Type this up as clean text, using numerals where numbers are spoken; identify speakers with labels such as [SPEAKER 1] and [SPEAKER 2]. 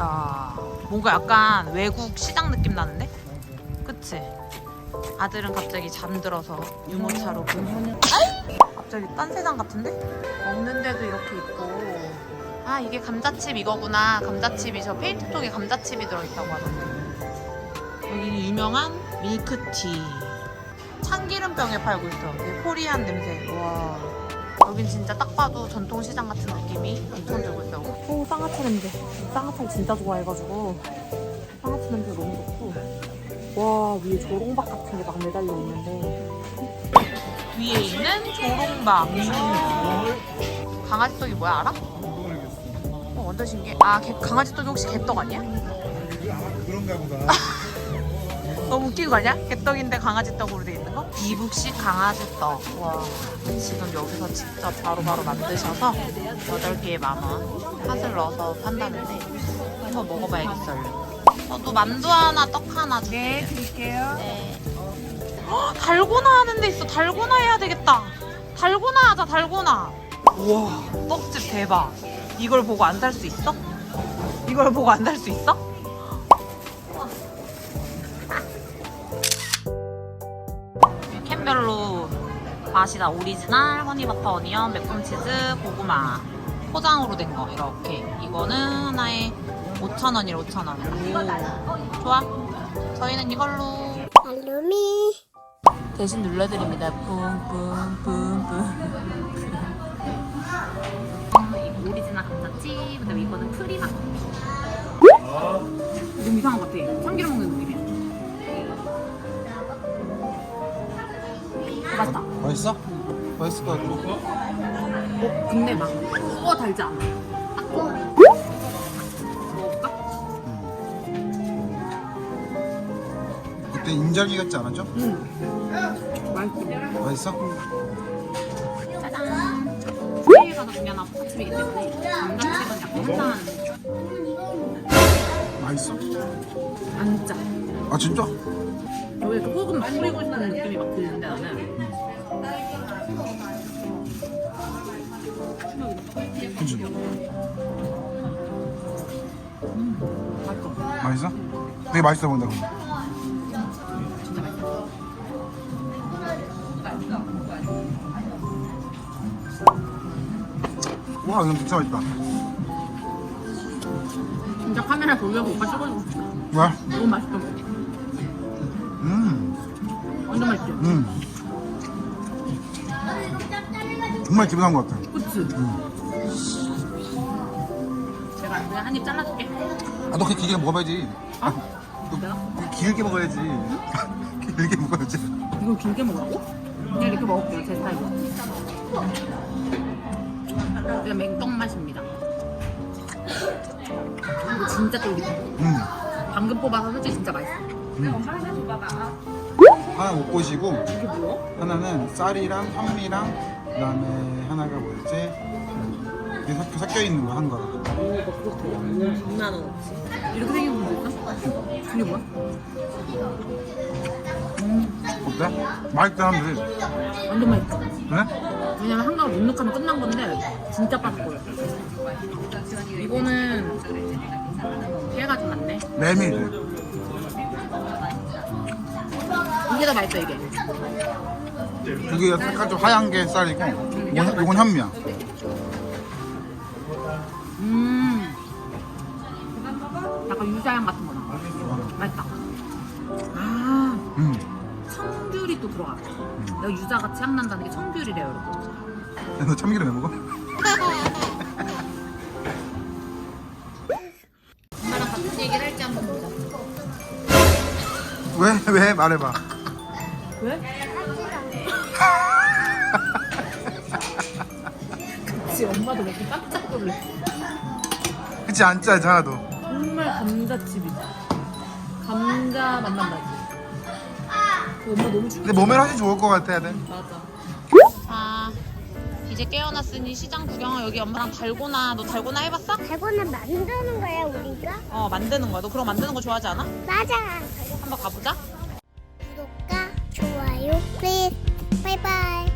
[SPEAKER 1] 야, 뭔가 약간 외국 시장 느낌 나는데? 그치? 아들은 갑자기 잠들어서 유모차로 갑자기 딴 세상 같은데? 먹는 데도 이렇게 있고. 아, 이게 감자칩 이거구나. 감자칩이 저 페인트통에 감자칩이 들어있다고 하던데. 여기는 유명한 밀크티. 참기름병에 팔고 있어. 되게 코리안 냄새. 와. 여긴 진짜 딱 봐도 전통시장 같은 느낌이 엄청 들고 있어. 오, 쌍화차 냄새. 쌍화차를 진짜 좋아해가지고 쌍화차 냄새 너무 좋고. 와, 위에 조롱박 같은 게 막 매달려 있는데 위에 있는 조롱박. 강아지 떡이 뭐야, 알아? 완전 신기해. 아, 강아지 떡이 혹시 개떡 아니야?
[SPEAKER 2] 그런가 보다.
[SPEAKER 1] 너무 웃긴 거 아니야? 개떡인데 강아지 떡으로 돼 있는 거? 이북식 강아지 떡. 와, 지금 여기서 직접 바로바로 만드셔서 8개에 10,000원 팥을 넣어서 판다는데 한번 먹어봐야겠어요. 저도 만두 하나, 떡 하나 주세요.
[SPEAKER 3] 네, 드릴게요.
[SPEAKER 1] 네. 달고나 하는 데 있어. 달고나 해야 되겠다. 달고나 하자, 달고나. 우와, 떡집 대박. 이걸 보고 안 살 수 있어? 이걸 보고 안 살 수 있어? 캔별로 맛이다. 오리지널 허니버터 어니언 매콤치즈 고구마 포장으로 된 거 이렇게. 이거는 하나에 5,000원이래. 5,000원. 좋아. 저희는 이걸로
[SPEAKER 3] 알루미.
[SPEAKER 1] 대신 눌러드립니다. 뿜뿜뿜뿜. 이거 오리지널 감자칩. 그다음에 이거는 프리맛. 너무 이상한 것 같아. 참기름 먹는 느낌이야. 맛있다.
[SPEAKER 2] 맛있어? 맛있을 것 같아.
[SPEAKER 1] 근데 막 달지 않아. 딱 좋아. 먹어볼까?
[SPEAKER 2] 그때 인절미 같지 않았죠?
[SPEAKER 1] 맛있어.
[SPEAKER 2] 맛있어?
[SPEAKER 1] 짜잔. 사이에가 더 중요한 아포카칩이기 때문에 감자칩은 약간 한잔.
[SPEAKER 2] 맛있어?
[SPEAKER 1] 안 짜.
[SPEAKER 2] 아 진짜?
[SPEAKER 1] 여기 그 소금 막 뿌리고 싶은 느낌이 막 드는데 나는.
[SPEAKER 2] 그치?
[SPEAKER 1] 맛있어.
[SPEAKER 2] 맛있어? 되게 맛있어 보인다 근데.
[SPEAKER 1] 진짜 맛있어.
[SPEAKER 2] 와 이건 진짜 맛있다.
[SPEAKER 1] 진짜 카메라 돌려서 오빠 찍어주고 싶다.
[SPEAKER 2] 왜?
[SPEAKER 1] 너무 맛있어. 완전 맛있지?
[SPEAKER 2] 정말 기분한 것 같아.
[SPEAKER 1] 그치? 제가 그냥 한 입 잘라줄게.
[SPEAKER 2] 아 너 그렇게 길게 먹어봐야지.
[SPEAKER 1] 내가?
[SPEAKER 2] 너 길게 먹어야지. 길게 먹어야지.
[SPEAKER 1] 이걸 길게 먹으라고? 그냥 이렇게 먹을게요, 제 스타일로. 그냥 맹떡 맛입니다. 이거 진짜 쫄깃해. 방금 뽑아서 솔직히 진짜 맛있어.
[SPEAKER 2] 하나 못 보시고
[SPEAKER 1] 이게 뭐야?
[SPEAKER 2] 하나는 쌀이랑 현미랑 그다음에 하나가 뭐였지? 이게 섞여 있는 거 한 거라.
[SPEAKER 1] 오, 막 그렇대. 6만 원어치. 이렇게 생긴 것도 있어? 이게 뭐야?
[SPEAKER 2] 어때? 맛있다 하면 돼.
[SPEAKER 1] 완전 맛있어.
[SPEAKER 2] 그래?
[SPEAKER 1] 왜냐면 한가로 눅눅하면 끝난 건데 진짜 바삭거려. 이거는 깨가 좀 많네.
[SPEAKER 2] 메밀.
[SPEAKER 1] 이게 더 맛있어, 이게.
[SPEAKER 2] 그게 색깔 좀 하얀 게 쌀이고 이건 현미야.
[SPEAKER 1] 약간 유자향 같은 거나. 맛있다. 아, 청귤이 또 들어가. 내가 유자같이 향 난다는 게 청귤이래요, 여러분.
[SPEAKER 2] 너 참기름 왜 먹어?
[SPEAKER 1] 엄마랑 같은 얘기를 할지 한번 보자.
[SPEAKER 2] 왜 말해봐.
[SPEAKER 1] 왜? 그치, 엄마도 먹고 깜짝 놀래.
[SPEAKER 2] 그치 안 짜지 하나도.
[SPEAKER 1] 정말 감자칩이다. 감자 맛만 나지. 엄마 너무 충격.
[SPEAKER 2] 근데 몸에 하시 좋을 것 같아 애들.
[SPEAKER 1] 맞아. 아, 이제 깨어났으니 시장 구경을. 여기 엄마랑 달고나. 너 달고나 해봤어?
[SPEAKER 3] 달고나 만드는 거야 우리가?
[SPEAKER 1] 만드는 거야. 너 그럼 만드는 거 좋아하지 않아?
[SPEAKER 3] 맞아.
[SPEAKER 1] 한번 가보자.
[SPEAKER 3] 구독과 좋아요 플리즈. 바이바이.